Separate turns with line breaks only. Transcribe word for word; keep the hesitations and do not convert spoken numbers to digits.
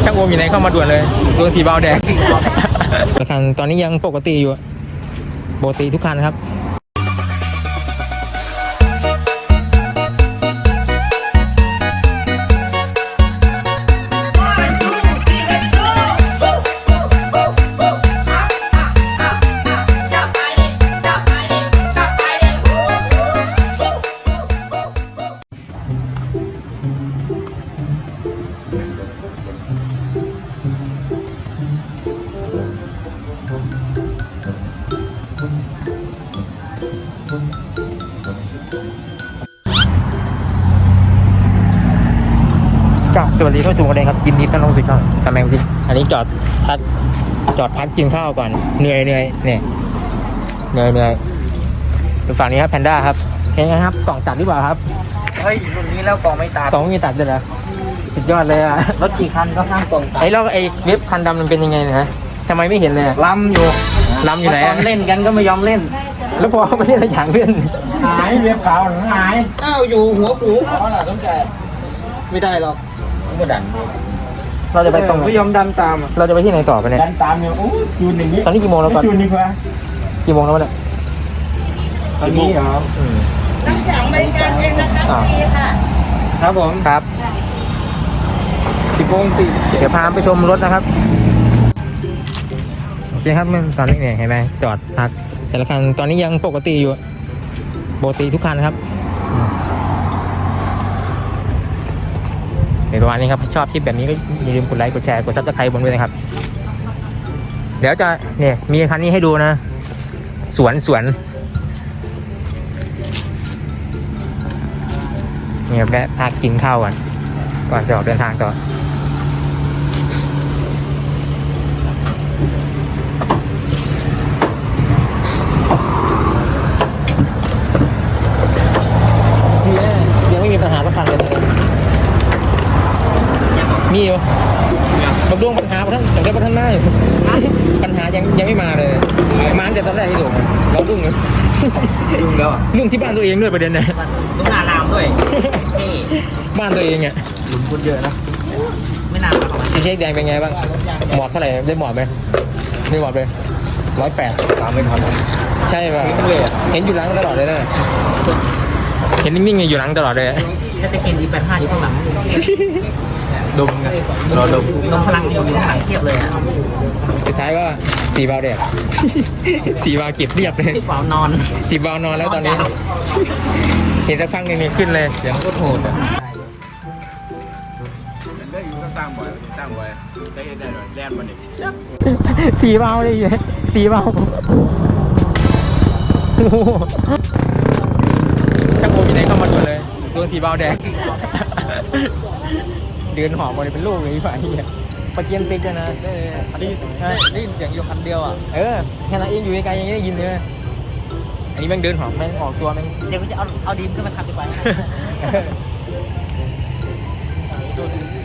ช่างโอมอยู่ไหนเข้ามาด่วนเลยโดนสีบาวแดงคันตอนนี้ยังปกติอยู่ปกติทุกคันครับสวัสดีท่านผู้ชมกันเลยครับยินดีต้อนรับสู่ช่องตำแหน่งสิอันนี้จอดพักจอดพักกินข้าวก่อนเหนื่อยเหนื่อยเนี่ยเหนื่อยเหนื่อยดูฝั่งนี้ครับแพนด้าครับเห็นไงครับกล่องตัดหรือเปล่าครับ
เฮ้ยรุ่นนี้แล้วกล่องไม่ตัด
กล่องไม่มีตัดเลยเหรอสุดยอดเลยอะ
รถกี่คันก็ห้ามกล่องตัด
ไอ้แล้วไอ้เว็บคันดำมันเป็นยังไงนะทำไมไม่เห็นเลย
ล้ำอยู่
ล้ำอยู่ไหน
เล่นกันก็ไม่ยอมเล่น
แล้วพอไม่ได้อะไรอย่างเล่น
หายเว็บขาวหายอ้าวอยู่หัวผูอ๋อเหรอต้องแก
ไม่ได้หรอก
ก็ดัน
เราจะไปตรง
ไม่ยอมดันตาม
เราจะไปที่ไหนต่อไปเนี่ย
ดันตามเนี่ยโอ้ยูนอย่างนี้
ตอนนี้กี่โมงแล้วก่อน
ยูนดีกว่า
กี่โมงแล้วเนี่ย
ตอนนี้เหรอ
น้ำแข็งบริการเองนะคะพี่ค่ะ
ครับผม
ครับ
สิบโมงสี่
เดี๋ยวพาไปชมรถนะครับโอเคครับมันตอนนี้เนี่ยเห็นไหมจอดพักแต่ละคันตอนนี้ยังปกติอยู่ปกติทุกคันครับในประมาณนี้ครับชอบคลิปแบบนี้ก็อย่าลืมกดไลค์กดแชร์กดซับสไครต์ผมด้วยนะครับเดี๋ยวจะเนี่ยมีคันนี้ให้ดูนะสวนสวนเนี่ยแวะพักกินข้าวก่อนก่อนจะออกเดินทางต่อยังไม่มีปัญหาสักคันเลยมีอยู่บางดวงปัญหาท่านแต่ก็ท่านได้ปัญหายังยังไม่มาเลยมาแต่ตอนแรกที่ดูเราดุ้งเลย
ดุ้งแล้ว
ดุ้งที่บ้านตัวเองด้วยประเด็นเนี่ย
ดุ้งหน้ารามด้วย
บ้านตัวเองอ่ะ
หลุมคนเยอะนะไม่นานหรอก
ที่เช็คแดงเป็นไงบ้างหมอดเท่าไหร่ได้หมอดไหมไม่หมอดเลยร้อยแปด
ตามไม่ทัน
ใช่ป่ะเห็นอยู่หลังตลอดเลยนะเห็นนิ่งๆอยู่หลังตลอดเลย
ถ้าจะกินอีแปดห้าอยู่ข้างหลังดมไงรอดมดมพลังอยู่ข้างหลังเทียบเลยอ่ะ
สุดท้ายก็สีบาวแดดสีบาวเก็บเรียบเลย
สีบาวนอน
สีบาวนอนแล้วตอนนี้เห็นสักพักนึงขึ้นเลย
เสียงก็โหดอ่ะ
สีบาวเลยสีบาวช่างโอมอยู่ไหนเข้ามาด่วนเลยโดนสีบาวแดงเดินหอบมาเลยเป็นลูกเลยพี่ฝ่ายเนี่ยปะเกียนติ๊กนะ
ได้ได้ยินเสียงอยู่คันเดียวอ่ะ
เออแค่นั้นเองอยู่ไกลยังได้ยินเลยอันนี้แม่งเดินหอบแม่งออกตัวแม่ง
เดี๋ยวจะเอาเอาดีมขึ้นมาขับดีกว่า